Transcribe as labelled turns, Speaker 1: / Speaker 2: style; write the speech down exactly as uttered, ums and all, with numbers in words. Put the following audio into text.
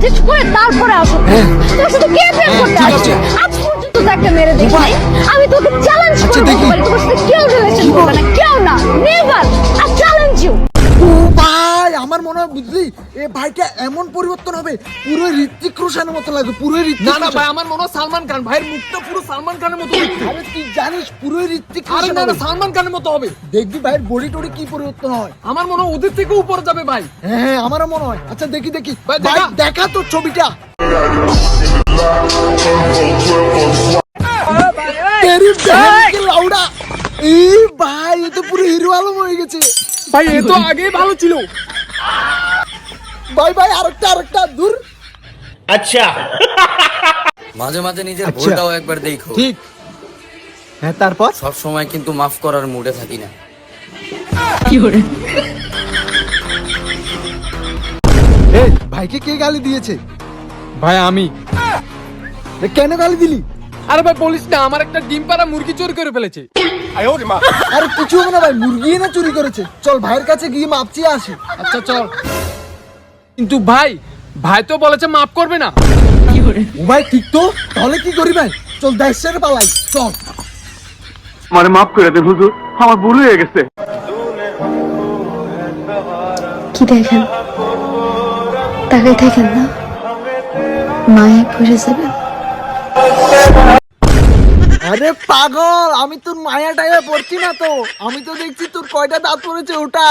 Speaker 1: Adjust করে তারপরে আসো। তোর সাথে কে প্রেম করতে আসছে? আজ পর্যন্ত তো একটা মেরে দেখি নাই। আমি তোকে চ্যালেঞ্জ করে বলতে পারি তোর সাথে কেউ রিলেশন করবে না, কেউ না, নেভার। I challenge you.
Speaker 2: ও ভাই, আমার মনে হয় বুঝলি এ ভাইটা এমন পরিবর্তন হবে, পুরো ঋত্বিক রোশনের মতো লাগবে, পুরো ঋত্বিক।
Speaker 3: না না ভাই, আমার মনে হয় সালমান খান। ভাইয়ের মুখটা পুরো সালমান খানের মতো দেখতে।
Speaker 2: আরে তুই জানিস পুরো ঋত্বিক
Speaker 3: আরে
Speaker 2: রোশন
Speaker 3: না না,
Speaker 2: হবে।
Speaker 3: সালমান খানের মতো হবে।
Speaker 2: দেখবি ভাইয়ের বডি টডি কি পরিবর্তন হয়।
Speaker 3: আমার মনে হয় ওদের থেকেও উপরে যাবে ভাই।
Speaker 2: হ্যাঁ আমারও মনে হয়। আচ্ছা দেখি দেখি
Speaker 3: ভাই,
Speaker 2: ভাই,
Speaker 3: দেখা।
Speaker 2: দেখা তোর ছবিটা। তেরি বহন কি লাউডা। এই ভাই, এ তো পুরো হিরো আলম হয়ে গেছে।
Speaker 3: ভাই এ তো আগেই ভালো ছিল।
Speaker 2: ভাই ভাই আরেকটা আরেকটা দূর।
Speaker 4: মাঝে মাঝে নিজের
Speaker 2: আচ্ছা।
Speaker 4: ভুলটাও একবার দেখো।
Speaker 2: ঠিক। হ্যাঁ তারপর
Speaker 4: সব সময় কিন্তু মাফ করার মুডে থাকি না।
Speaker 2: এই ভাইকে কে গালি দিয়েছে?
Speaker 3: ভাই আমি।
Speaker 2: এ, কেন গালি দিলি?
Speaker 3: আরে ভাই বলিস না, আমার একটা ডিম পাড়া মুরগি চোর করে ফেলেছে।
Speaker 2: আরে কিছু হবে না ভাই, মুরগি না চুরি করেছে। চল ভাইয়ের কাছে গিয়ে মাপ চেয়ে আসি।
Speaker 3: আচ্ছা চল। কিন্তু ভাই, ভাই তো বলেছে মাফ করবে না।
Speaker 2: ও ভাই ঠিক তো, তাহলে কি করি ভাই? চল দেশ ছেড়ে পালাই, চল।
Speaker 5: আমারে মাফ করে দেন হুজুর, আমার ভুল হয়ে গেছে।
Speaker 1: কি দেখেন? তাকাই থাকেন না, মায়ে পড়ে যাবেন।
Speaker 2: আরে পাগল, আমি তোর মায়া টায়া পড়ছি না তো। আমি তো দেখছি তোর কয়টা দাঁত পড়েছে ওটা।